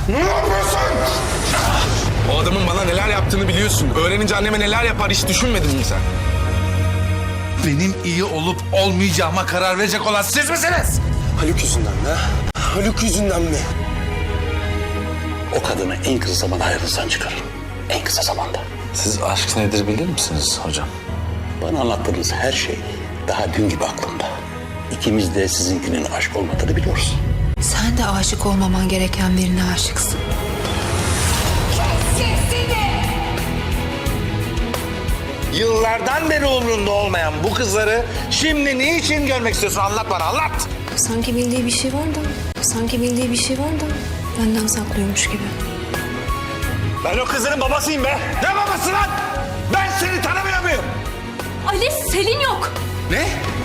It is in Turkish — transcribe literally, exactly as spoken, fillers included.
Ne yapıyorsun? O adamın bana neler yaptığını biliyorsun. Öğrenince anneme neler yapar hiç düşünmedin mi sen? Benim iyi olup olmayacağıma karar verecek olan siz misiniz? Haluk yüzünden mi? Haluk yüzünden mi? O kadını en kısa zamanda hayatınızdan çıkarın. En kısa zamanda. Siz aşk nedir bilir misiniz hocam? Bana anlattığınız her şey daha dün gibi aklımda. İkimiz de sizinkinin aşk olmadığını biliyoruz. Sen de aşık olmaman gereken birine aşıksın. Yıllardan beri umrunda olmayan bu kızları şimdi niçin görmek istiyorsun? Anlat bana, anlat. Sanki bildiği bir şey var da, sanki bildiği bir şey var da benden saklıyormuş gibi. Ben o kızların babasıyım be. Ne babası lan? Ben seni tanımıyor muyum? Ali, Selin yok. Ne?